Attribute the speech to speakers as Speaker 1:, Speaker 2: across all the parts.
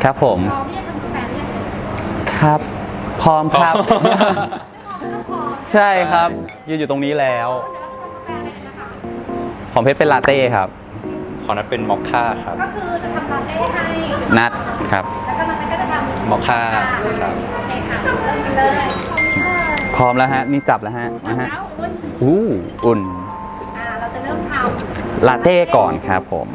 Speaker 1: ครับผม
Speaker 2: พร้อมที่จะทำกาแฟหรือยัง
Speaker 1: ครับพร้อมครับ
Speaker 2: พร้อม
Speaker 1: ใช่ครับยืนอยู่ตรงนี้แล้ว
Speaker 2: เดี๋ยวเราจะทำกาแฟอะไรกันนะคะ
Speaker 1: ของเพชรเป็นลาเต้ครับ
Speaker 3: ของนั้นเป็นมอคค่าครับ
Speaker 2: ก็คือจะทำลาเต้ให้
Speaker 1: นัดครับ
Speaker 2: แล้วก็มันก็จะทำ
Speaker 3: มอคค่าครับ
Speaker 2: โอเคค่ะเริ่มกันเลย
Speaker 1: พร้อมแล้วฮะนี่จับแล้วฮะ
Speaker 2: ทำ
Speaker 1: นะฮะ
Speaker 2: แล้วอุ่น
Speaker 1: อุ่น
Speaker 2: เราจะเริ่มท
Speaker 1: ลาเต้ก่อนครับผม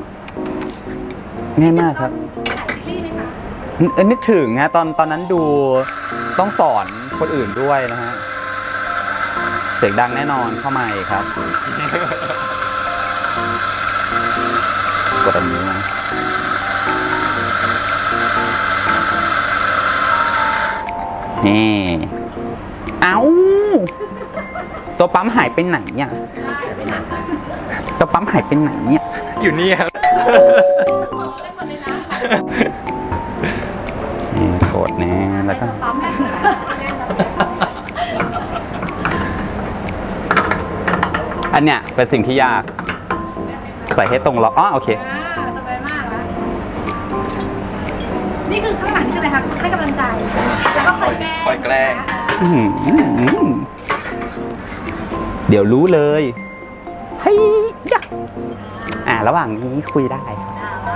Speaker 1: ง่าย
Speaker 2: ำ
Speaker 1: มากครับ
Speaker 2: ถ่ายซีรีส์ไหมคะ
Speaker 1: นึกถึงฮะตอนนั้นดูต้องสอนคนอื่นด้วยนะฮะเสียงดังแน่นอนเข้ามาอีกครับ กดอันนี้นะนี่เอ้าตัวปั๊มหายไปไหนเนี่ย
Speaker 2: ได้ไปหนัก
Speaker 1: ตัวปั๊มหายไปไหนเนี่ย
Speaker 3: อยู่นี่ครับ
Speaker 2: ขอได้หมดเลยนะ
Speaker 1: นี่กดนะแล้วก็
Speaker 2: ปั๊มได้เหรอ
Speaker 1: อันเนี้ยเป็นสิ่งที่ยาก ใส่ให้ตรงล็อกอ๋อโอเค
Speaker 2: สบายมากแล้วนี่คือข้างหลังนี่คืออะไรคะให้กำลังใจ แล้วก็คอยแกล้ง
Speaker 3: คอยแกล้ง
Speaker 1: อื้อหือเดี๋ยวรู้เลยเฮ้ยยะระหว่างนี้คุยได้ครับ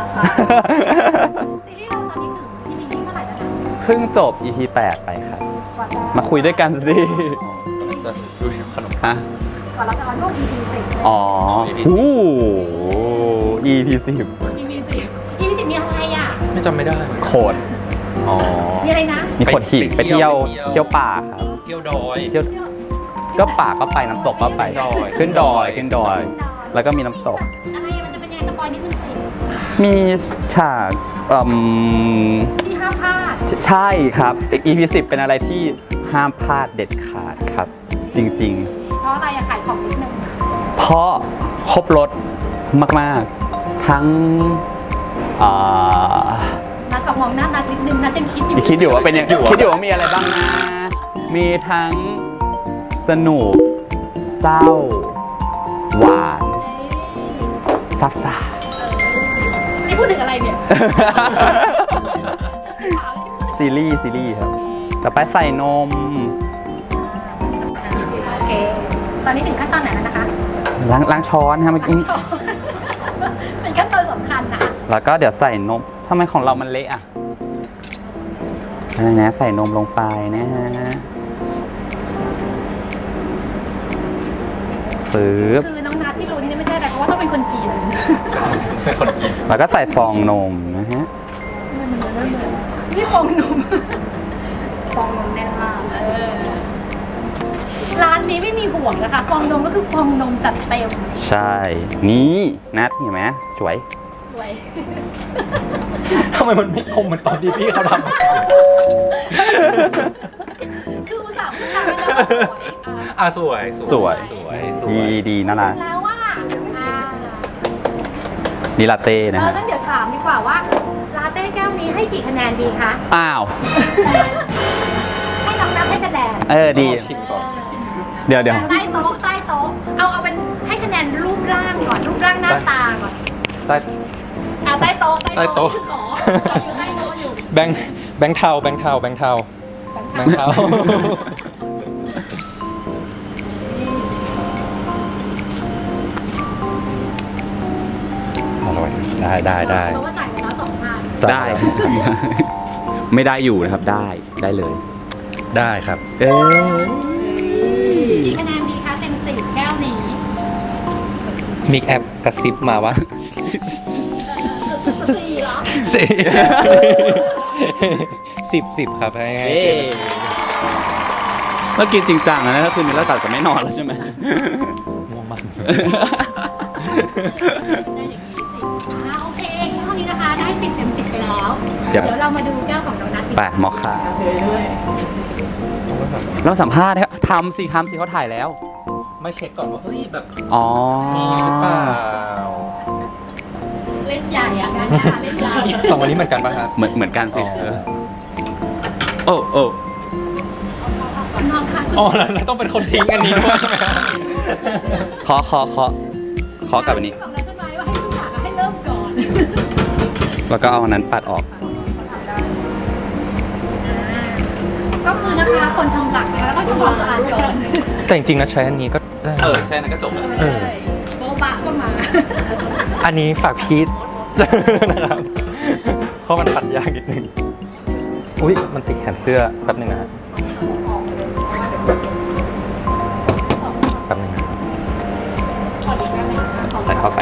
Speaker 2: ซีรีส์เราตอนนี้ถึง EP ที่เท่าไหร่แล้วคะ
Speaker 1: เพิ่งจบ EP 8 ไปครับ
Speaker 2: กว่าจะ
Speaker 1: มาคุยด้วยกันสิ
Speaker 3: จะดูขนม
Speaker 1: ฮะ
Speaker 2: กว่าเราจะออนก็ EP 10
Speaker 1: อ๋อ
Speaker 3: EP
Speaker 1: อู้ EP 10
Speaker 2: EP 10 EP 10มีอะไรอ่ะ
Speaker 3: ไม่จำไม่ได้
Speaker 1: โขด
Speaker 3: อ๋อ
Speaker 2: มีอะไรนะ
Speaker 1: มีโขดหิน
Speaker 3: ไป
Speaker 1: ไป
Speaker 3: เที่
Speaker 1: เที่
Speaker 3: ย
Speaker 1: ยว วเที่ยวป่าครับ
Speaker 3: เที่ยวดอย
Speaker 1: เที่ยวก็ป่าก็ไปน้ำตกก็ไป
Speaker 3: ดอย
Speaker 1: ขึ้นดอยขึ้นดอย แล้วก็มีน้ำตก
Speaker 2: อะไรมันจะเป็นยังไงสปอยนิดนึงสิ
Speaker 1: มีฉาก
Speaker 2: ที่ห้ามพลาด
Speaker 1: ใช่ครับ EP 10 เป็นอะไรที่ห้ามพลาดเด็ดขาดครับ จริง
Speaker 2: เพราะอะไรอะขายของนิดนึง
Speaker 1: ๆ เพราะครบรถมากๆ ทั้งอ่า
Speaker 2: นัดออกมองหน้านัดนิดนึงนัดยังคิดอยู่
Speaker 1: คิดอยู่ว่าเป็นยังคิดอยู่ว่ามีอะไรบ้างนะ มีทั้งสนุก เศร้า หวานซับซ่า
Speaker 2: นี่พูดถึงอะไรเนี่ย
Speaker 1: ซีรีส์ครับ ต่อไปใส่นม
Speaker 2: โอเค ตอนนี้ถึงขั้นตอนไหนแล้วนะคะ
Speaker 1: ล้างช้อนฮะเมื่อกี้
Speaker 2: เป็นขั้นตอนสำคัญนะ
Speaker 1: แล้วก็เดี๋ยวใส่นมทำไมของเรามันเละอ่ะนะใส่นมลงไปนะฮะฟืบ
Speaker 2: คือน้องนัดที่รู้นี่ไม่ใช่อะไรเพราะว่าต้องเป็นคนกิน
Speaker 3: เป็นคนกิน
Speaker 1: แล้วก็ใส่ฟองนมนะฮะ
Speaker 2: นี่ฟองนม ฟองนมแน่นมากร้านนี้ไม่มีห่วงนะคะ ฟองนมก็คือฟองนมจัดเต็ม
Speaker 1: ใช่ นี่นัดเห็นไหมสวย
Speaker 2: สวย
Speaker 3: ทำไมมันไม่คมเหมือนตอนที่พี่เขาทำ
Speaker 2: คืออุตส่าห์พูดจาแล้วสวย
Speaker 3: สวย
Speaker 1: ดีน่ารัก
Speaker 2: แล้วว่า
Speaker 1: นี่ลาเต้นะฮะ
Speaker 2: งั้นเดี๋ยวถามดีกว่าว่าลาเต้แก้วนี้ให้กี่คะแนนดีคะ
Speaker 1: อ้าว
Speaker 2: ให้น้องนับให้คะแนน
Speaker 1: ดี
Speaker 3: ชิมก่อน
Speaker 1: เดี๋ยว
Speaker 2: ใต้โต๊ะเอาเป็นให้คะแนนรูปร่างก่อนรูปร่างหน้าตาก่อน
Speaker 3: ได้
Speaker 2: ใต้โต๊ะ
Speaker 3: ใต้โต๊ะ
Speaker 2: คือขออยู่ใต้โต๊ะอยู่
Speaker 3: แบงค์เทา อร่อยได้
Speaker 2: เพราะว่าจ่ายไปแล้ว2,000
Speaker 1: ได้ ไม่ได้อยู่นะครับ ได้เลย
Speaker 3: ได้ครับ
Speaker 2: กี่คะแนนดีคะเต็ม10แก้วนี้
Speaker 3: มิกแอปกระซิบมาว่า
Speaker 2: 4เหรอ
Speaker 3: 10ครับให้
Speaker 1: เมื่อกี้จริงจังนะถ้าคืนนี้เราตัดจะไม่นอนแล้วใช่ไหม
Speaker 3: ง่วงมาก
Speaker 2: ได้อย่างนี้10โอเคเท่านี้นะคะได้10เต็ม10ไปแล้ว
Speaker 1: เดี๋
Speaker 2: เดี๋
Speaker 1: ยว
Speaker 2: ยวเรามาดูแก้วของโดนัทดีก
Speaker 1: ไป
Speaker 2: ว่า
Speaker 1: มอคค่าเราสัมภาษณ์นะครับทำสิเขาถ่ายแล้ว
Speaker 3: ไม่เช็คก่อนว่าเฮ้ยแบบ
Speaker 1: อ๋อ
Speaker 3: มีหรือเปล่า
Speaker 2: เล่นใหญ่อะงานนี้เล่นใหญ่
Speaker 3: สองวันนี้เหมือนกันป่ะครับ
Speaker 1: เหมือนกันสิ
Speaker 3: อ๋อ
Speaker 1: โอ้
Speaker 2: น้องค่ะ
Speaker 3: อ๋อแล้วต้องเป็นคนทิ้งอันนี้ด้วยใช่ไหมครับ
Speaker 1: ขอกลับอันนี้
Speaker 2: บอกแล้วใช่ไหมว่าให้ทุกอย่างให้เริ่มก่อน
Speaker 1: แล้วก็เอาอันนั้นปัดออก
Speaker 2: โก็คือนะคะคนทำหลักนะคะแล้วก็ทำความสะอาดก่อน
Speaker 3: แต่จริงๆนะใช้อันนี้ก็ได้
Speaker 1: ใช่นั่นก็จบแล้ว
Speaker 3: เออ
Speaker 2: โบบะก็มา
Speaker 3: อันนี้ฝากพีท นะครับเพราะมันปัดยากนิดนึงอุ้ยมันติดแขนเสื้อแป๊บนึงนะฮะแป๊บนึงนะ
Speaker 1: ใส่เข้าไป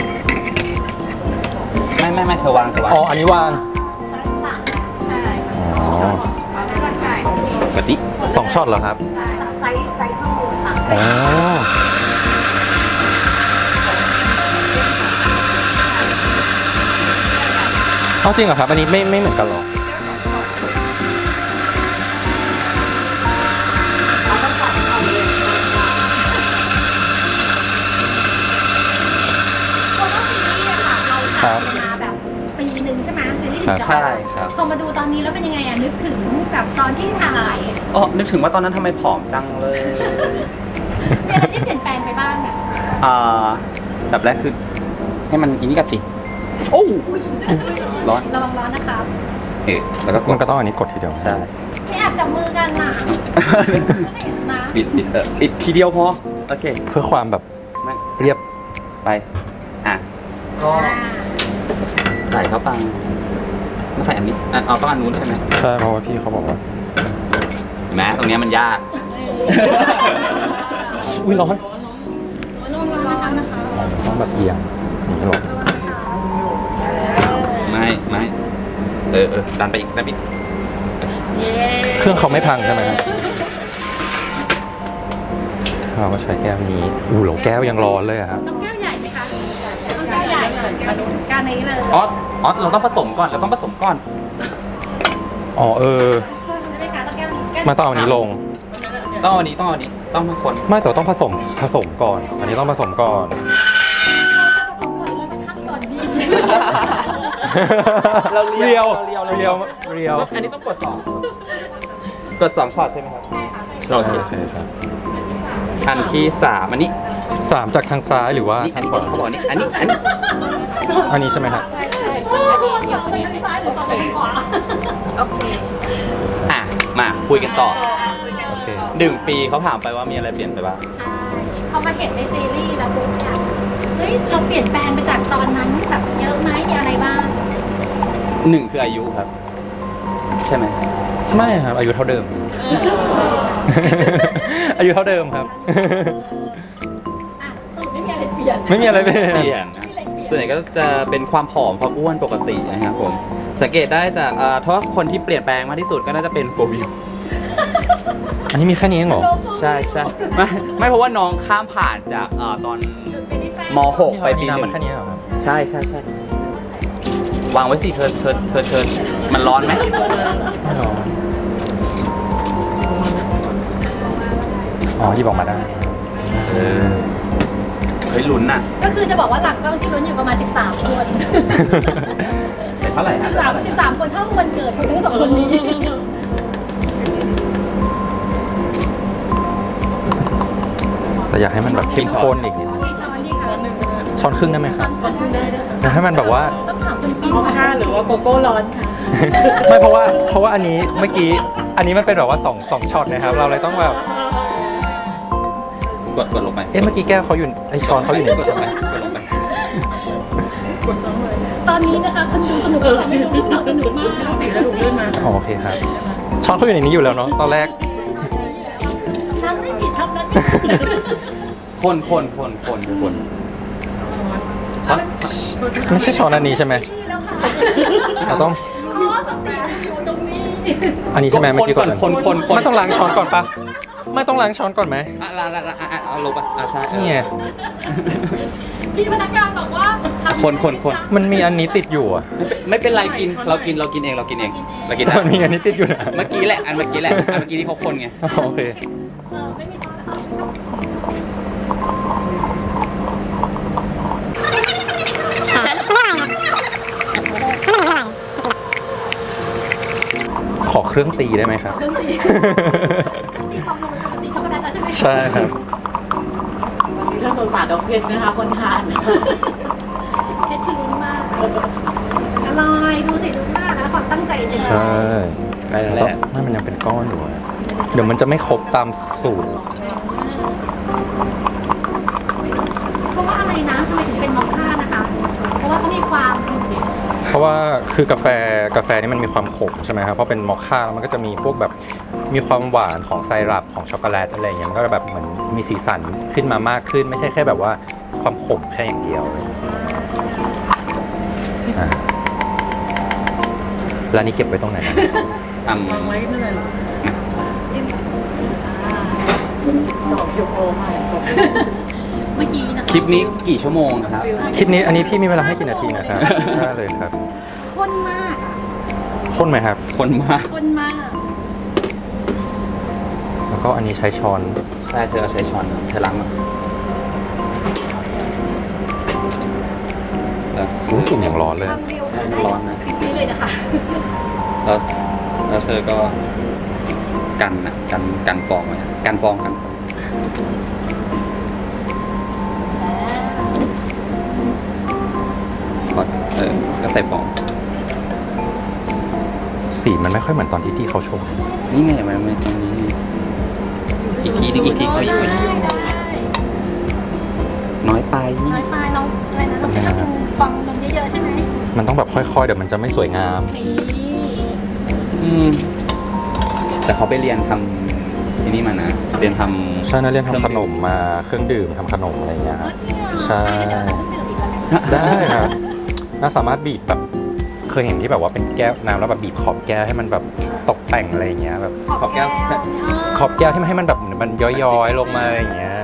Speaker 1: ไม่เธอวาง
Speaker 3: อ๋ออันนี้วาง
Speaker 2: ใช่
Speaker 3: อ๋อ
Speaker 2: ใช่
Speaker 1: แบบนี้
Speaker 3: 2 ช็อตเหรอครับ
Speaker 2: ไซส์ข้างบนค่ะ
Speaker 3: อ๋อเอาจริงเหรอครับ อันนี้ไม่เหมือนกันหรอ
Speaker 2: เพราะว่าซีรีส์อะค่ะเรา
Speaker 3: ครั
Speaker 2: ถ่าย
Speaker 3: บ
Speaker 2: มาแบบปีหนึ่งใช่ไหมซีรีส์
Speaker 3: ครับ
Speaker 2: ถึงจะออก
Speaker 1: ใช่ครับ
Speaker 2: พอมาดูตอนนี้แล้วเป็นยังไงอะนึกถึงแบบตอนที่ถ่าย
Speaker 1: อ๋อนึกถึงว่าตอนนั้นทำไมผอมจังเลย
Speaker 2: มีอะไรที่เปลี่ยนแปลงไปบ้างอะ
Speaker 1: แบบแรกคือให้มันอินกับสิโอ้ร้อน
Speaker 2: ระวังร้อนนะคะ
Speaker 1: แล้วก็ก
Speaker 3: มัน
Speaker 1: ด
Speaker 3: ก็ต้องอันนี้กดทีเดียว
Speaker 1: ใช่
Speaker 2: ไม่แอบจับมือกันน่ะไม่เห็นนะ
Speaker 1: ปิดทีเดียวพอ โอเค
Speaker 3: เพื่อความแบบ
Speaker 1: ไม่
Speaker 3: เรียบ
Speaker 1: ไป ก็ใส่เข้าไปมาใส่อันนี้เอาต้องอันนู้นใช่ไหม
Speaker 3: ใช่เพราะว่าพี่เขาบอกว่า
Speaker 1: เห็นไหมตรงเนี้ยมันยาก
Speaker 3: อุ้ยร้อน
Speaker 2: ระวังร้อนนะคะ
Speaker 3: ต้องแบบเอียงอย่างนี้หรอ
Speaker 1: ไม่ดันไปอีก
Speaker 3: เครื่องเขาไม่พังใช่ไหมครับเราก็ใช้แก้วนี้อู้โหแก้วยังร้อนเลยอะครับ
Speaker 2: ต้องแก้วใหญ่ไหมคะต้องแก้วใหญ่การนี้เลย
Speaker 1: อ๋อเราต้องผสมก่อน
Speaker 3: อ๋อ
Speaker 2: ไม่ได้ค่ะต้องแก้วนี้แก้ว
Speaker 3: มาต้องเอาอันนี้ลง
Speaker 1: ต้องเอาอันนี้ต้องทั้งคน
Speaker 3: ไม่แต่ว่าต้องผสมก่อน อันนี้ต้องผสมก่อน
Speaker 2: ผสมก่อนเราจะคัดก่อนดี
Speaker 1: เราเรียว
Speaker 3: เรียว
Speaker 1: อันนี้ต้องกด2ช็อตใช่ไหมครับ
Speaker 3: ใช่ใช่ครับ
Speaker 1: อันที่3อันนี้
Speaker 3: 3จากทางซ้ายหรือว่า
Speaker 1: อั
Speaker 3: ทาน ง
Speaker 1: นี้
Speaker 3: ขวา
Speaker 1: เขาบอกอันนี้
Speaker 3: อันนี้ใช่ไหมครับ
Speaker 2: อยากไปทางซ้ายหรือซ้ายไปทางขวาโอเค
Speaker 1: มาคุยกันต่อ
Speaker 3: โอเค
Speaker 1: 1 ปีเขาถามไปว่ามีอะไรเปลี่ยนไปบ้าง
Speaker 2: ใช่พอมาเห็นในซีรีส์แล้วปุ๊บเนี่ยเฮ้ยเราเปลี่ยนแปลงไปจากตอนนั้นแบบเยอะไหมมีอะไรบ้าง
Speaker 1: 1คืออายุครับ ใช่ไหม
Speaker 3: ไม่ครับ อายุเท่าเดิม อายุเท่าเดิมครับ
Speaker 2: อ่ะสรุปไม่มีอะไรเปลี่ยน
Speaker 3: ไม่มีอะไรเปลี่ยน
Speaker 1: เปลี่ยนนะส่วนใหญ่ก็จะเป็นความผอมความอ้วนปกตินะครับผม สังเกตได้จากถ้าคนที่เปลี่ยนแปลงมากที่สุดก็น่าจะเป็นโฟวิว
Speaker 3: อันนี้มีแค่นี้เองเหรอ
Speaker 1: ใช่ไม่เพราะว่าน้องข้ามผ่านจากตอนม .6 ไปปี
Speaker 3: น้ำ
Speaker 1: 1
Speaker 3: มันแค่นี้เหรอครับ
Speaker 1: ใช่วางไว้สิเชิญมันร้อนไหม
Speaker 3: ไม่หรออ๋อหยิบออกมาได้
Speaker 1: เฮ้ยลุ้นน่ะ
Speaker 2: ก็คือจะบอกว่าหลักก็ที่ลุ้นอยู่ประมาณ 13 คน
Speaker 1: เสร็จเท่าไหร่ครับ
Speaker 2: 13 คนเท่าวันเกิดของทั้งสองคนนี้
Speaker 3: แต่อยากให้มันแบบเข้มข้นอีกนิดนึง
Speaker 2: มีช้อนนี่ค่ะ
Speaker 3: ช้อนครึ่งได้ไหมครับ
Speaker 2: ช้อนครึ่งได้ด้วย
Speaker 3: อยากให้มันแบบว่า
Speaker 2: ต้องถามคนกิน
Speaker 4: ค่ะ หรือว่าโกโก้ร้อนค่ะ
Speaker 3: ไม่เพราะว่าอันนี้เมื่อกี้ อันนี้มันเป็นแบบว่า2ช็อตนะครับ เราเลยต้องแบบ
Speaker 1: กดลงไป
Speaker 3: เมื่อกี้แก้วเขาอยู่ไอช้อนเขาอยู่ใน
Speaker 1: ก
Speaker 3: นี้
Speaker 1: ดล
Speaker 3: ใช่
Speaker 1: ง
Speaker 3: ไห
Speaker 1: ไป
Speaker 3: ม
Speaker 1: กดลงไป
Speaker 2: ตอนนี้นะคะคนดูสนุกแต่ไม่รู้เราสนุกมาก
Speaker 3: อ๋อโอเคครับ ช้อนเขาอยู่ในนี้อยู่แล้วเนาะตอนแรก
Speaker 2: ฉันไม่ผิดครับนั้นไม่ผิด
Speaker 1: คนช้อน
Speaker 3: ไม่ใช่ช้อนอันนี้ใช่ไหม
Speaker 2: แล้วค่ะ
Speaker 3: เราต้อง
Speaker 2: ขอสติอยู่ตรงนี้
Speaker 3: อันนี้ใช่ไหมเมื่อกี้ก่อน
Speaker 1: คน
Speaker 3: ไม่ต้องล้างช้อนก่อนปะไม่ต้องล้างช้อนก่อนไหม
Speaker 1: เอาลงไปใช่
Speaker 3: นี่ไง
Speaker 2: พี่พนักงานบอกว่า
Speaker 1: คน
Speaker 3: มันมีอันนี้ติดอยู่อ่ะ
Speaker 1: ไม่เป็นไรกินเรากินเองเรากินได้
Speaker 3: มันมีอันนี้ติดอยู่นะ
Speaker 1: เมื่อกี้แหละอันเมื่อกี้ที่เขาคนไง
Speaker 3: อ๋อโอเค
Speaker 2: ไม่มีช้อนนะคะ
Speaker 3: ขอเครื่องตีได้ไหมครับ
Speaker 2: เครื่องตีความลงมันจะเป็นตีช็อกโกแลตแล้วใช่ไหม
Speaker 3: ใช่ครับ
Speaker 4: วันนี้ถ้าสงสารดอกเพชรนะคะ คนทาน
Speaker 2: เพชรคือลุ้นมากอร่อยดูสิลุ้นมากนะความตั้งใจจริง
Speaker 3: ใช่
Speaker 1: ได้แล้วแหละ
Speaker 3: ไม่มันยังเป็นก้อนอยู่อะเดี๋ยวมันจะไม่ครบตามสูตร
Speaker 2: เพราะว่าอะไรนะทำไมถึงเป็นมอคค่านะคะ เพราะว่าเขามีความ
Speaker 3: เพราะว่าคือกาแฟนี่มันมีความขมใช่ไหมครับเพราะเป็นมอคค่าแล้วมันก็จะมีพวกแบบมีความหวานของไซรัปของช็อกโกแลตอะไรอย่างเงี้ยมันก็แบบเหมือนมีสีสันขึ้นมามากขึ้น ไม่ใช่แค่แบบว่าความขมแค่อย่างเดียวอ่ะแล้วนี่เก็บไว้ตรงไหนนะ
Speaker 1: อ่ำ
Speaker 4: วางไว้ไม่เป็นไรหรอก2 ชั่วโมงค่ะ
Speaker 2: เมื่อกี้นะคะ
Speaker 1: คลิปนี้กี่ชั่วโมงนะครับ
Speaker 3: คลิปนี้อันนี้พี่มีเวลาให้กี่นาทีนะครับ ได้เลยครับ
Speaker 2: ข้นมากอ่ะ
Speaker 3: ข้นไหมครับ
Speaker 1: คนมาก
Speaker 2: ข้นมาก
Speaker 3: แล้วก็อันนี้ใช้ช้อน
Speaker 1: ใช่เธอเอาใช้ช้อนเธอล้างมาแล้ว
Speaker 3: อุ้ยกลิ่นอย่างร้อนเลย
Speaker 2: ความเร็ว
Speaker 1: ใช่
Speaker 2: ได้
Speaker 1: ร้อนนะ
Speaker 2: คลิปนี้เลยนะคะ
Speaker 1: แล้วเธอก็กันฟองไว้กันฟองก่อนก็ใส่ฟอง
Speaker 3: สีมันไม่ค่อยเหมือนตอนที่พี่เขาชง
Speaker 1: นี่ไงมันตรงนี้อีกทีนึงเอาอีก
Speaker 2: ได้
Speaker 1: น้อยไป
Speaker 2: น้อยไปน้องอะไรนะน้องจะต้องฟองนมเยอะๆใช่ไหม
Speaker 3: มันต้องแบบค่อยๆเดี๋ยวมันจะไม่สวยงาม
Speaker 2: นี่
Speaker 1: แต่เขาไปเรียนทำที่นี่มานะเรียนทำ
Speaker 3: ใช่นะเรียนทำขนมมาเครื่องดื่มทำขนมอะไรอย่างเงี้ย
Speaker 2: เออจริงเหรอ
Speaker 3: ใช่
Speaker 2: เดี๋ยวเราต้องดื่มอีกแล้วกัน
Speaker 3: ได้ครับน่าสามารถบีบแบบเคยเห็นที่แบบว่าเป็นแก้วน้ำแล้วแบบบีบขอบแก้วให้มันแบบตกแต่งอะไรอย่างเงี้ยแบบ
Speaker 2: ขอบแก้ว
Speaker 3: ขอบแก้วที่มันให้มันแบบมันย้อยๆลงมาอย่างเงี้ย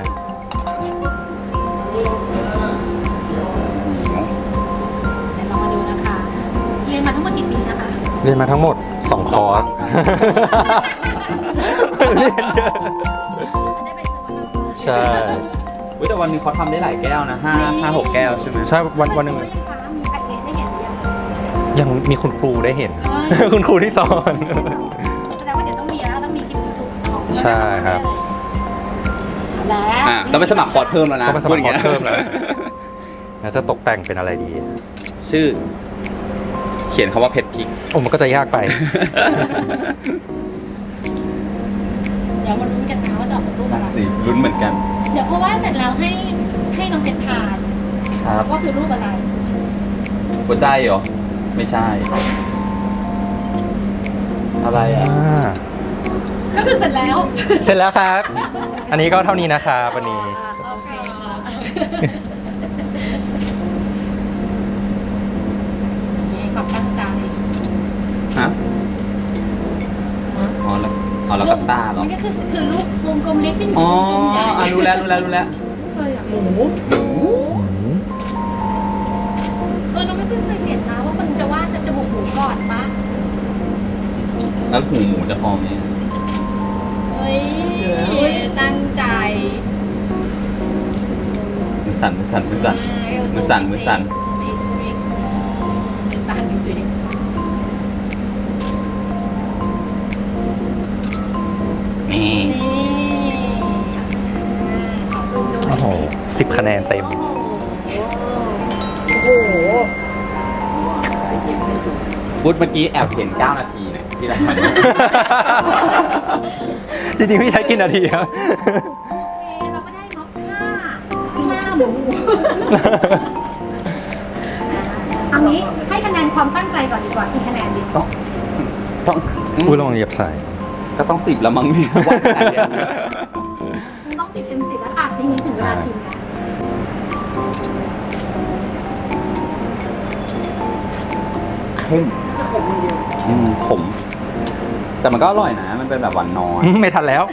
Speaker 2: เดี๋ยวเรามาดูนะคะ เรียนมาทั้งหมดกี่ปีนะคะ
Speaker 3: เรียนมาทั้งหมด 2 คอร์ส เรียนเยอะ
Speaker 2: ได้ไปซื้อมาแล้ว
Speaker 3: ใช่
Speaker 1: อุ๊ยแต่วันหนึงเขาทำได้หลายแก้วนะ5-6 แก้วใช่ไหม
Speaker 3: ใช่วันหนึ่ง
Speaker 2: มีแพ็กเกจได้เห็นหรือยัง
Speaker 3: ยังมีคุณครูได้เห็น
Speaker 2: เอ้ย
Speaker 3: คุณครูที่สอน
Speaker 2: แสดงว่าเดี๋ยวต้องมีแล้วต้องมีคลิปยูทูบของ
Speaker 3: ใช่ครับ
Speaker 2: และ
Speaker 1: ต้องไปสมัครคอร์สเพิ่มแล้วนะ
Speaker 3: ต้องไปสมัครคอร์สเพิ่ม
Speaker 1: พูด
Speaker 3: แล้
Speaker 1: อ
Speaker 3: ว
Speaker 1: ย่างงี้ย
Speaker 3: แล้วจะตกแต่งเป็นอะไรดี
Speaker 1: ชื่อ เขียนคำว่าเผ็ดพริก
Speaker 3: โอ้มันก็จะยากไป
Speaker 2: เดี๋ยวมาลุ้นกันนะว่าจะออกเป็นรูปอะไร
Speaker 1: สิลุ้นเหมือนกัน
Speaker 2: เดี๋ยวเพราะว่าเสร็จแล้วให้น้องเพชรทาน
Speaker 1: ครับ
Speaker 2: ว่าคือรูปอะไร
Speaker 1: หัวใจเหรอ ไม่ใช่ อะไรอ่ะ
Speaker 2: ก็คือเสร็จแล้ว
Speaker 3: เสร็จแล้วครับ อันนี้ก็เท่านี้นะครับวันนี้
Speaker 2: โอเคค่ะนี่ขอบตั้งใจ
Speaker 1: ฮะอ๋อแล้วกับตาเหรอ
Speaker 2: นี่ก็คือรูปวงกลมเล็กที่อยู่
Speaker 1: อ๋อ
Speaker 2: วงกลมใหญ่
Speaker 1: รู้แล้ว
Speaker 2: เราไม่เคยเห็นนะว่าคนจะวาดจมูกหมูก่อนปะ
Speaker 1: แล้วหูหมูจะพอไหม
Speaker 2: เฮ้ยตั้งใจ
Speaker 1: มือสั่น
Speaker 2: มือสั่นจริง
Speaker 1: นี่
Speaker 2: ๆนี่ขอซูมดูหน่
Speaker 3: โอ้
Speaker 2: อย
Speaker 3: โห
Speaker 2: สิ
Speaker 3: 10 คะแนนเต็ม
Speaker 2: โอ้โห
Speaker 1: พูดเมื่อกี้แอบเห็น9 นาทีเนี่ยที่เราทำ
Speaker 3: จริงๆพี่ใช้กี่นาทีครับ
Speaker 2: เราก็ได้ม็อกค่าหน้าหมูเอางี้ให้คะแนนความตั้งใจก่อนดีกว่ากี่คะแนนดี
Speaker 1: ต้อง
Speaker 3: อุ้ยระวังเหยียบใส่
Speaker 1: ก็ต้อง10แล้วมั้งเนี่ยว่าขนาดเนี้ย
Speaker 2: ต้อง10 เต็ม 10แล้วอ่ะทีนี้ถึงเวลาชิมแล้ว
Speaker 1: เข้มขม แต่มันก็อร่อยนะ มันเป็นแบบหวานน้อย
Speaker 3: ไม่ทันแล้ว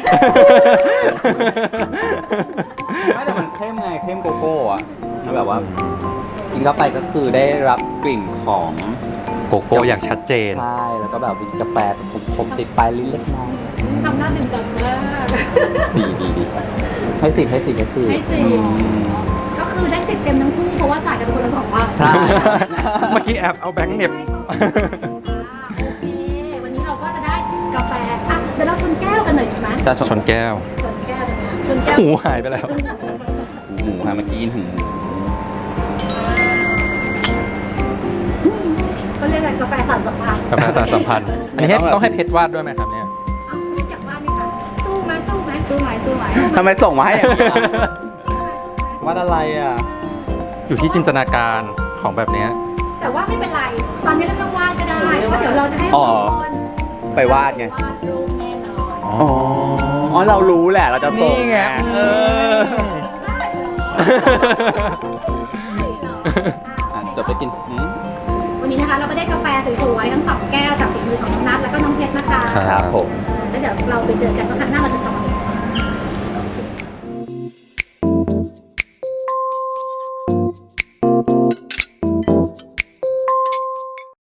Speaker 1: ไม่แต่มันเข้มไงเข้มโกโก้อะแล้วแบบว่ากินเข้าไปก็คือได้รับกลิ่นของ
Speaker 3: โกโก้อย่างชัดเจน
Speaker 1: ใช่แล้วก็แบบมีกาแฟขมๆติดปลายลิ้นเล็กน้อย
Speaker 2: ทำหน้าดื่มดำมาก
Speaker 1: ดีให้สิบ
Speaker 2: ให้10ก็คือได้10 เต็มทั้งคู่เพราะว่าจ่ายกันคนละ2 บาท
Speaker 1: ใช่
Speaker 3: เมื่อกี้แอบเอาแบงค์เหน็บ
Speaker 2: โอเค วันนี้เราก็จะได้กาแฟอ่ะเดี๋ยวเราชนแก้วกันหน่อยดีไหม
Speaker 1: จะ
Speaker 3: ชนแก้ว
Speaker 2: ชนแก้วชนแก้ว
Speaker 3: หูหายไปแล้ว
Speaker 1: หมูค่ะเมื่อกี้กินหู
Speaker 2: เขาเรียกอะไรกาแฟสารสัมพันธ์
Speaker 3: กาแฟสารสัมพันธ์ อันนี้ต้องให้เพชรวาดด้วยไหมครับเนี่ย
Speaker 2: เอาอยากว่าไหมคะสู้ไหมสู้ไหมสู้ไหมสู้ไหม
Speaker 1: ทำไมส่งมาให้อย่างนี้อะวัดอะไรอ่ะ
Speaker 3: อยู่ที่จินตนาการของแบบเนี้ย
Speaker 2: แต่ว่าไม่เป็นไร ตอนนี้เราต้องวาดก็ได้ เพราะเดี๋ยวเราจะให้
Speaker 1: อ๋อ
Speaker 2: สองคน
Speaker 1: ไปวาดไง
Speaker 2: วาดรูปแน่นอน
Speaker 1: อ๋อ เรารู้แหละ เราจะส่ง
Speaker 3: นี่ไง
Speaker 1: เออ
Speaker 2: ได้เหรออ่ะ
Speaker 1: จบไปกิน
Speaker 2: วันนี้นะคะเราก็ได้กาแฟสวยๆทั้งสองแก้วจากฝีมือของน้องนัทแล้วก็น้องเพชรนะคะ
Speaker 3: ครับ
Speaker 1: ครับผม
Speaker 2: แล้วเดี๋ยวเราไปเจอกันว่าครั้งหน้าเราจะทำ